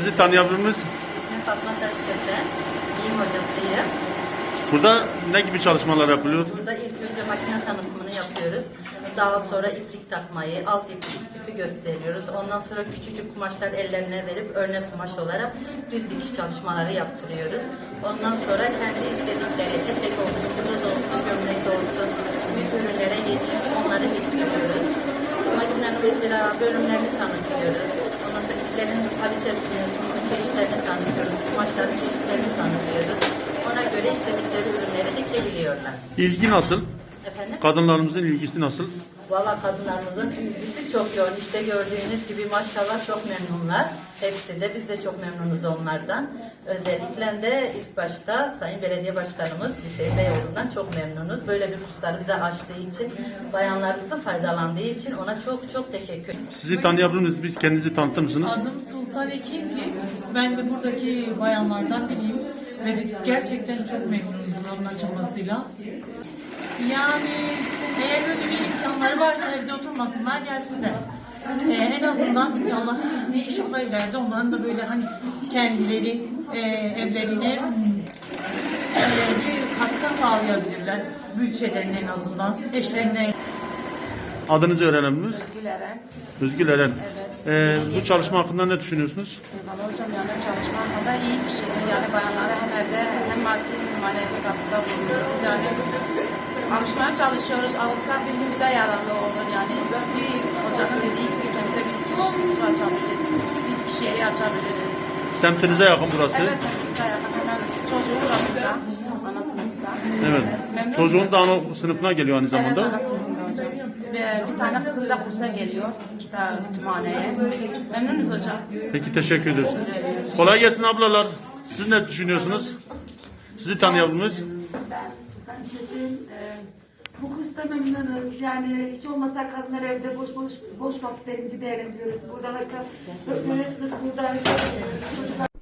Sizi tanıyabilir miyiz? İsmim Fatma Taşkesen, giyim hocasıyım. Burada ne gibi çalışmalar yapılıyor? Burada ilk önce makine tanıtımını yapıyoruz. Daha sonra iplik takmayı, alt ipi, üst ipi gösteriyoruz. Ondan sonra küçücük kumaşlar ellerine verip örnek kumaş olarak düz dikiş çalışmaları yaptırıyoruz. Ondan sonra kendi istedikleri etek olsun, bluz olsun, gömlek olsun, büyük ürünlere geçip onları bitiriyoruz. Makinenin mesela bölümlerini tanıtıyoruz. Ondan sonra iplerin kalitesini, çeşitlerini tanıtıyoruz. Kumaşların çeşitlerini tanıtıyoruz. Ona göre istedikleri ürünleri dikebiliyorlar. İlgi nasıl? Efendim? Kadınlarımızın ilgisi nasıl? Valla kadınlarımızın ilgisi çok yoğun. İşte gördüğünüz gibi maşallah çok memnunlar. Hepsi de biz de çok memnunuz onlardan. Özellikle de ilk başta Sayın Belediye Başkanımız Hüseyin Beyoğlu'ndan çok memnunuz. Böyle bir kursları bize açtığı için, bayanlarımızın faydalandığı için ona çok çok teşekkür ederim. Sizi tanıyabilir miyiz? Biz kendinizi tanıtır mısınız? Adım Sultan Ekinci. Ben de buradaki bayanlardan biriyim. Ve biz gerçekten çok memnunuz buranın açılmasıyla. Yani eğer böyle bir imkanları varsa evde oturmasınlar, gelsinler. En azından Allah'ın izniyle inşallah ileride onların da böyle hani kendileri evlerine bir katkı sağlayabilirler. Bütçelerine en azından, eşlerine. Adınızı öğrenebilir miyiz? Özgül Eren. Özgül Eren. Evet. Bu çalışma hakkında ne düşünüyorsunuz? Valla hocam yani çalışma hakkında iyi bir şeydir. Yani bayanlara hem evde hem maddi hem manevi katkıda bulunuyoruz. Yani alışmaya çalışıyoruz. Alışsak bir gün bize yararlı olur. Yani bir hocanın dediği gibi kendimize bir dikiş kursu açabiliriz. Bir dikiş yeri açabiliriz. Semtinize yakın burası. Evet, semtimize yakın. Hemen çocuğum da burada. Ana sınıfta. Evet. Memnunum Çocuğunuz da hocam. ana sınıfına geliyor aynı Evet, zamanda. ana sınıfında hocam. Bir tane kızım da kursa geliyor. Kütüphaneye. Memnunuz hocam. Peki teşekkür ederiz. Rica ederim. Kolay gelsin ablalar. Siz ne düşünüyorsunuz? Sizi tanıyabilir miyiz? Ben Sultan Çetin. Bu kursta memnunuz. Yani hiç olmasa kadınlar evde boş vakitlerimizi değerlendiriyoruz. Burada hatta öğretmenimiz burada çocuklar